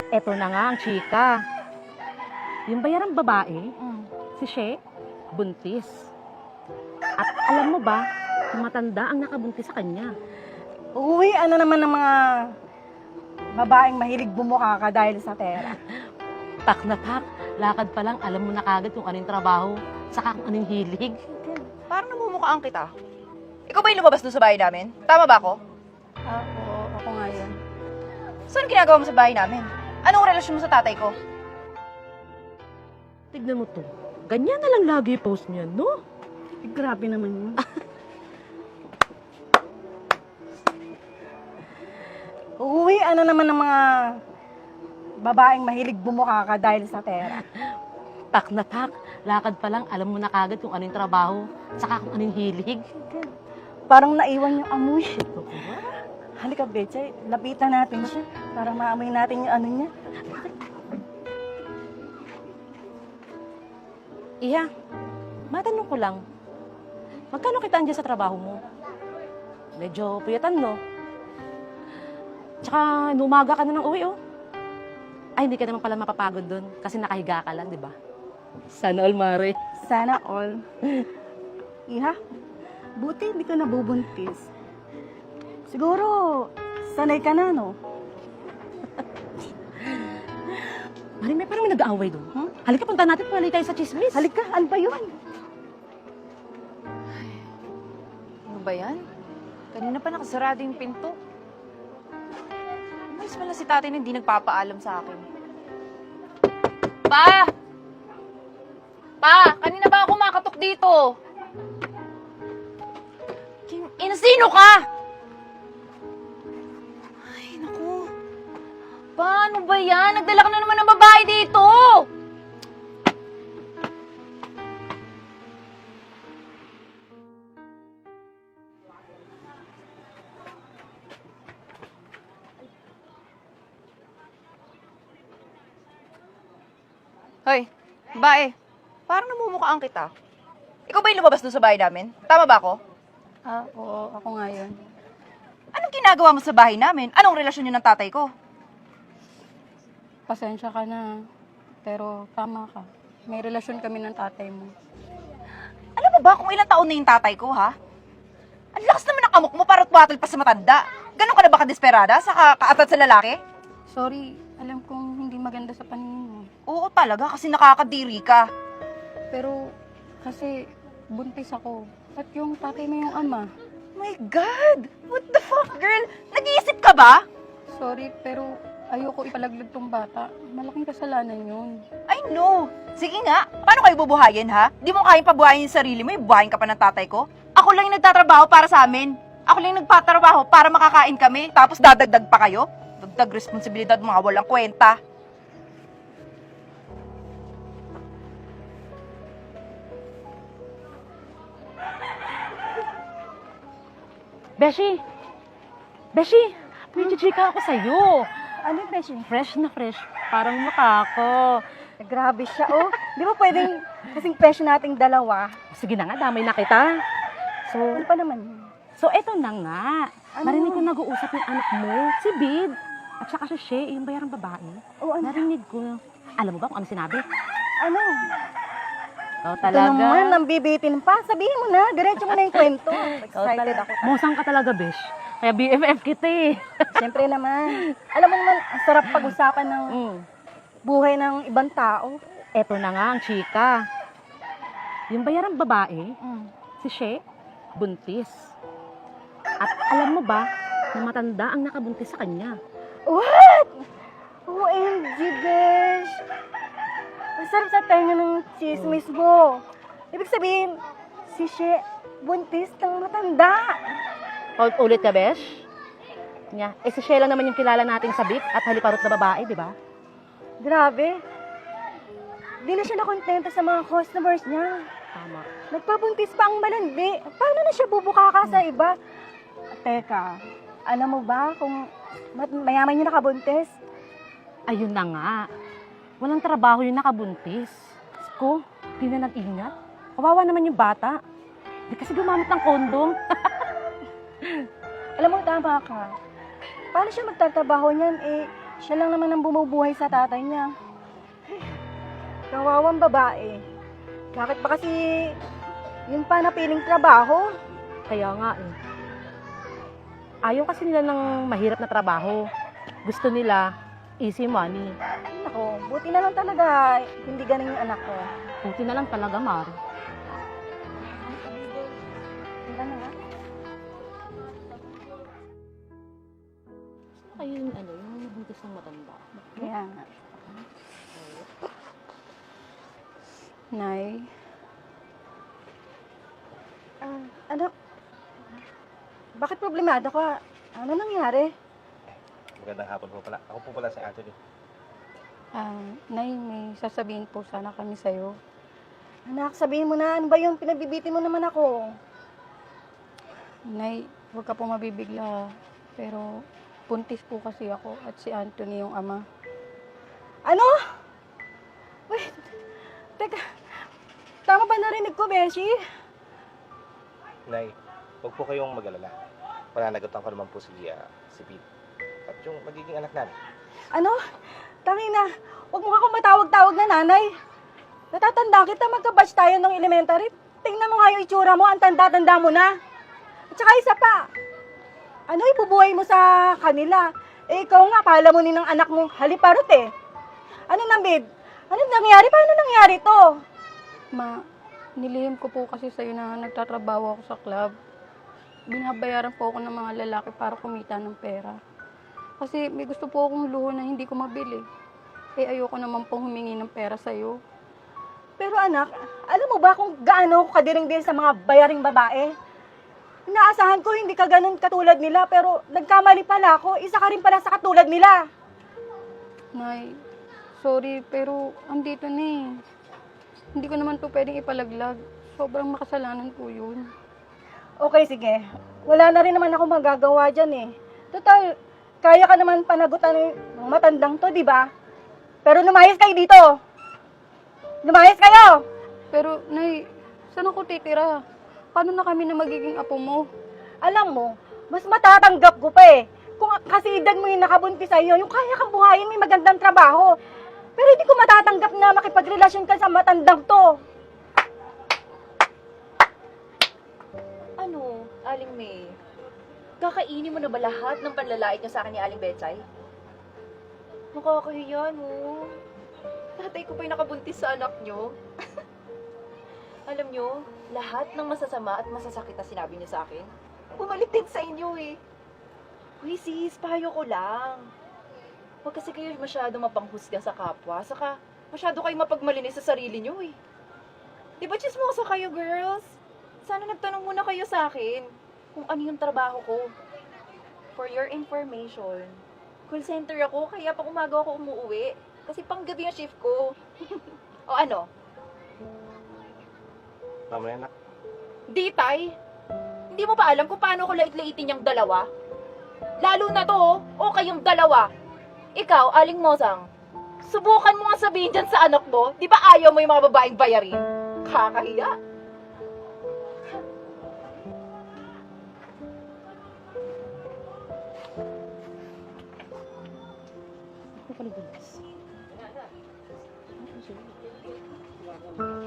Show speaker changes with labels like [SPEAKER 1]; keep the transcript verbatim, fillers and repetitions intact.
[SPEAKER 1] Eto na nga ang chika. Yung bayarang babae,
[SPEAKER 2] Mm.
[SPEAKER 1] si She, buntis. At alam mo ba, yung matanda ang nakabuntis sa kanya.
[SPEAKER 2] Uy, ano naman ng mga babaeng mahilig bumuka ka dahil sa pera?
[SPEAKER 1] Tak na tak, lakad pa lang, alam mo na kagad kung anong trabaho, saka kung anong hilig.
[SPEAKER 3] Parang namumukhaan kita. Ikaw ba yung lumabas doon sa bahay namin? Tama ba ako?
[SPEAKER 2] Ako, ako nga yun.
[SPEAKER 3] Saan ginagawa mo sa bahay namin? Anong relasyon mo sa tatay ko?
[SPEAKER 1] Tignan mo to. Ganyan na lang lagi yung post niya, no?
[SPEAKER 2] Eh, grabe naman yun. Uy, ano naman ng mga babaeng mahilig bumuka ka dahil sa pera?
[SPEAKER 1] Tak na tak, lakad pa lang, alam mo na kagad kung anong trabaho, saka kung anong hilig.
[SPEAKER 2] Parang naiwan yung amoy. Halika, Betchay, lapitan natin siya para maamoy natin yung ano niya.
[SPEAKER 1] Iha, matanong ko lang, magkano kitaan dyan sa trabaho mo? Medyo puyatan, no? Tsaka, numaga ka na ng uwi, oh. Ay, hindi ka naman pala mapapagod dun kasi nakahiga ka lang, di ba? Sana all, Mare.
[SPEAKER 2] Sana all. Iha, buti hindi ka nabubuntis. Siguro, sanay ka na, no?
[SPEAKER 1] Mare, may parang may nag-aaway dun.
[SPEAKER 2] Hmm?
[SPEAKER 1] Halika, punta natin, pali tayo sa chismis.
[SPEAKER 2] Halika, ano ba yun?
[SPEAKER 3] Ano ba yan? Kanina pa nakasarado yung pinto. Umalis pala si tatay na hindi nagpapaalam sa akin. Pa! Pa! Kanina ba ako makatok dito? Kim, ina, sino ka? Ay, naku. Paano ba yan? Nagdala ka na naman ng babae dito! Hoy, bae. Parang namumukhaan kita. Ikaw ba yung lumabas doon sa bahay namin? Tama ba ako?
[SPEAKER 2] Ako, ako nga yun.
[SPEAKER 3] Anong ginagawa mo sa bahay namin? Anong relasyon yun ng tatay ko?
[SPEAKER 2] Pasensya ka na. Pero tama ka. May relasyon kami ng tatay mo.
[SPEAKER 3] Alam mo ba kung ilang taon na yung tatay ko, ha? Ang lakas naman ng amok mo para tuwatol pa sa matanda. Ganon ka na ba kadesperada sa kaatat sa lalaki?
[SPEAKER 2] Sorry, alam kong hindi maganda sa paningin mo.
[SPEAKER 3] Oo talaga, kasi nakakadiri ka.
[SPEAKER 2] Pero kasi buntis ako. At yung tatay mo yung ama.
[SPEAKER 3] My God! What the fuck, girl? Nag-iisip ka ba?
[SPEAKER 2] Sorry, pero ayoko ipalaglag tong bata. Malaking kasalanan yun.
[SPEAKER 3] I know. Sige nga, paano kayo bubuhayin, ha? Di mo kayang pabuhayin yung sarili mo, ibuhayin ka pa ng tatay ko? Ako lang yung nagtatrabaho para sa amin. Ako lang yung nagpatrabaho para makakain kami, tapos dadagdag pa kayo? Dagdag responsibilidad, mga walang kwenta.
[SPEAKER 1] Beshi! Beshi! May chichika ako sa'yo.
[SPEAKER 2] Ano yung beshi?
[SPEAKER 1] Fresh na fresh. Parang makako.
[SPEAKER 2] Grabe siya, oh. Di ba pwedeng kasing presyo nating dalawa?
[SPEAKER 1] Sige na nga, damay na kita. So,
[SPEAKER 2] Ano pa naman yun?
[SPEAKER 1] so eto na nga.
[SPEAKER 2] Ano?
[SPEAKER 1] Narinig ko nag-uusap yung anak mo, si Bid. At saka si She, yung bayarang babae.
[SPEAKER 2] Oh, ano?
[SPEAKER 1] Narinig ko. Alam mo ba kung ano sinabi?
[SPEAKER 2] Ano?
[SPEAKER 1] Ikaw
[SPEAKER 2] Ito
[SPEAKER 1] talaga.
[SPEAKER 2] naman, nang bibitin pa. Sabihin mo na, diretso mo na yung kwento.
[SPEAKER 1] Ikaw
[SPEAKER 2] Excited
[SPEAKER 1] talaga.
[SPEAKER 2] ako.
[SPEAKER 1] Musang ka talaga, Besh. Kaya B F F kita eh.
[SPEAKER 2] Siyempre naman. Alam mo naman, ang sarap pag-usapan ng
[SPEAKER 1] Mm.
[SPEAKER 2] buhay ng ibang tao.
[SPEAKER 1] Eto na nga ang chika. Yung bayarang babae,
[SPEAKER 2] Mm.
[SPEAKER 1] si She, buntis. At alam mo ba, na matanda ang nakabuntis sa kanya.
[SPEAKER 2] What? O M G, besh. Ang sarap sa tenga ng chismis mo. Ibig sabihin, si She, buntis ng matanda.
[SPEAKER 1] Hold ulit ka, Besh. Nya, eh si She lang naman yung kilala nating sabik at haliparot na babae, di ba?
[SPEAKER 2] Grabe. Di na siya nakontento sa mga customers niya.
[SPEAKER 1] Tama.
[SPEAKER 2] Nagpabuntis pa ang malandi. Paano na siya bubukaka sa iba? Teka, alam mo ba kung mat- mayaman yung nakabuntis?
[SPEAKER 1] Ayun na nga. Walang trabaho yung nakabuntis. Ko, di na nag-ingat. Kawawa naman yung bata. Di kasi gumamit ng kondom.
[SPEAKER 2] Alam mo, tama ka. Paano siya magtatrabaho niyan? Eh, Siya lang naman ang bumubuhay sa tatay niya. Kawawang babae. Bakit ba kasi yun pa napiling trabaho?
[SPEAKER 1] Kaya nga eh. Ayaw kasi nila ng mahirap na trabaho. Gusto nila easy money.
[SPEAKER 2] Ako, buti na lang talaga hindi ganun yung anak ko.
[SPEAKER 1] Buti na lang talaga, Mar.
[SPEAKER 2] Tingnan na nga.
[SPEAKER 1] Kayo yung ano, yung nabuntis ng matanda.
[SPEAKER 2] Kaya nga. Nay. Ah, anak. Bakit problemado ka? Ano nangyari?
[SPEAKER 4] Magandang hapon po pala. Ako po pala si Anthony.
[SPEAKER 2] Ah, Nay, may sasabihin po sana kami sa'yo. Anak, sabihin mo na, ano ba yun? Pinabibitin mo naman ako. Nay, huwag ka po mabibigla. Pero, buntis po kasi ako at si Anthony yung ama. Ano? Wait, teka. Tama ba narinig ko, Beshi?
[SPEAKER 4] Nay, huwag po kayong mag-alala. Pananagutan ko naman po si, ah, si Pete. At yung magiging anak namin.
[SPEAKER 2] Ano? Tangina, huwag mo akong matawag-tawag na nanay. Natatanda kita, magka-batch tayo ng elementary. Tingnan mo nga yung itsura mo, ang tanda-tanda mo na. At saka isa pa, ano ibubuhay mo sa kanila? Eh, ikaw nga, pala mo ni ng anak mong haliparot eh. Ano na, babe? Ano nangyari? Paano nangyari to? Ma, nilihim ko po kasi sa'yo na nagtatrabaho ako sa club. Binabayaran po ako ng mga lalaki para kumita ng pera. Kasi may gusto po akong luho na hindi ko mabili. Eh, ayoko naman pong humingi ng pera sa'yo. Pero anak, alam mo ba kung gaano ako kadiring din sa mga bayaring babae? Inaasahan ko hindi ka ganun katulad nila, pero nagkamali pala ako. Isa ka rin pala sa katulad nila. Nay, sorry, pero andito na eh. Hindi ko naman to pwedeng ipalaglag. Sobrang makasalanan ko yun. Okay, sige. Wala na rin naman ako magagawa dyan eh. Total, kaya ka naman panagutan ng matandang to, di ba? Pero lumayas kayo dito. Lumayas kayo! Pero, Nay, saan ako titira? Paano na kami na magiging apo mo? Alam mo, mas matatanggap ko pa eh. Kung kasi edad mo yung nakabuntis sa'yo, yung kaya kang buhayin, may magandang trabaho. Pero hindi ko matatanggap na makipagrelasyon ka sa matandang to.
[SPEAKER 3] Ano, Aling May? Kakainin mo na ba lahat ng panlalait niyo sa akin ni Aling Betchay? Nakakahiya, no? Tatay ko pa yung nakabuntis sa anak niyo. Alam niyo, lahat ng masasama at masasakit na sinabi niyo sa akin, bumalik din sa inyo eh. Uy sis, payo ko lang. Huwag kasi kayo masyado mapanghusga sa kapwa, saka masyado kayo mapagmalinis sa sarili niyo eh. Di ba chismoso kayo, girls? Sana nagtanong muna kayo sa akin kung ano yung trabaho ko. For your information, call center ako, kaya pag umaga ako umuwi. Kasi panggabi yung shift ko. O ano?
[SPEAKER 4] Mamaya na.
[SPEAKER 3] Di, tay. Hindi mo ba alam kung paano ko lait-laitin yung dalawa? Lalo na to, oh. O kayong dalawa. Ikaw, Aling Mosang, subukan mo nga sabihin dyan sa anak mo, di ba ayaw mo yung mga babaeng bayarin? Kakahiya.
[SPEAKER 1] Ako pala buntis. Ako siya.